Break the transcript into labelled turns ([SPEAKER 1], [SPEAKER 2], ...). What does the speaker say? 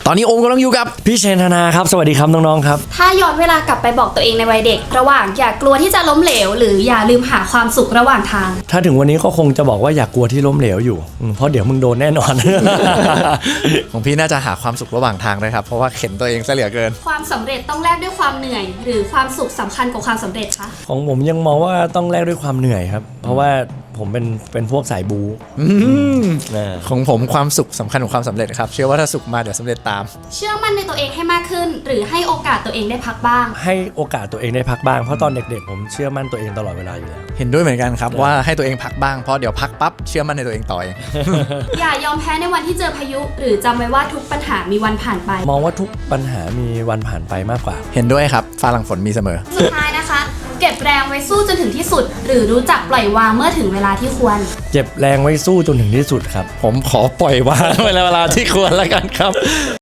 [SPEAKER 1] ตอนนี้โอมกำลังอยู่กับ
[SPEAKER 2] พี่เชนธนาครับสวัสดีครับน้องๆครับ
[SPEAKER 3] ถ้าย้อนเวลากลับไปบอกตัวเองในวัยเด็กระหว่างอย่ากลัวที่จะล้มเหลวหรืออย่าลืมหาความสุขระหว่างทาง
[SPEAKER 2] ถ้าถึงวันนี้ก็คงจะบอกว่าอย่ากลัวที่ล้มเหลวอยู่เพราะเดี๋ยวมึงโดนแน่นอน
[SPEAKER 1] ของพี่น่าจะหาความสุขระหว่างทางด้วยครับเพราะว่าเข็นตัวเองซะเหลือเกิน
[SPEAKER 3] ความสำเร็จต้องแลกด้วยความเหนื่อยหรือความสุขสำคัญกว่าความสำเร็จคะ
[SPEAKER 2] ของผมยังมองว่าต้องแลกด้วยความเหนื่อยครับเพราะว่าผมเป็นพวกสายบู
[SPEAKER 1] ของผมความสุขสำคัญกว่าความสำเร็จครับเชื่อว่าถ้าสุขมาเดี๋ยวสำเร็จตาม
[SPEAKER 3] เชื่อมั่นในตัวเองให้มากขึ้นหรือให้โอกาสตัวเองได้พักบ้าง
[SPEAKER 2] ให้โอกาสตัวเองได้พักบ้างเพราะตอนเด็กๆผมเชื่อมั่นตัวเองตลอดเวลาอยู่แล้ว
[SPEAKER 1] เห็นด้วยเหมือนกันครับว่าให้ตัวเองพักบ้างเพราะเดี๋ยวพักปั๊บเชื่อมั่นในตัวเองต่อเอง
[SPEAKER 3] อย่ายอมแพ้ในวันที่เจอพายุหรือจำไว้ว่าทุกปัญหามีวันผ่านไป
[SPEAKER 2] มองว่าทุกปัญหามีวันผ่านไปมากกว่า
[SPEAKER 1] เห็นด้วยครับฟ้าหลังฝนมีเสมอ
[SPEAKER 3] สุดท้ายนะคะเก็บแรงไว้สู้จนถึงที่สุดหรือรู้จักปล่อยวางเมื่อถึงเวลาที่ควร
[SPEAKER 2] เก็บแรงไว้สู้จนถึงที่สุดครับ
[SPEAKER 1] ผมขอปล่อยวางเวลาที่ควรแล้วกันครับ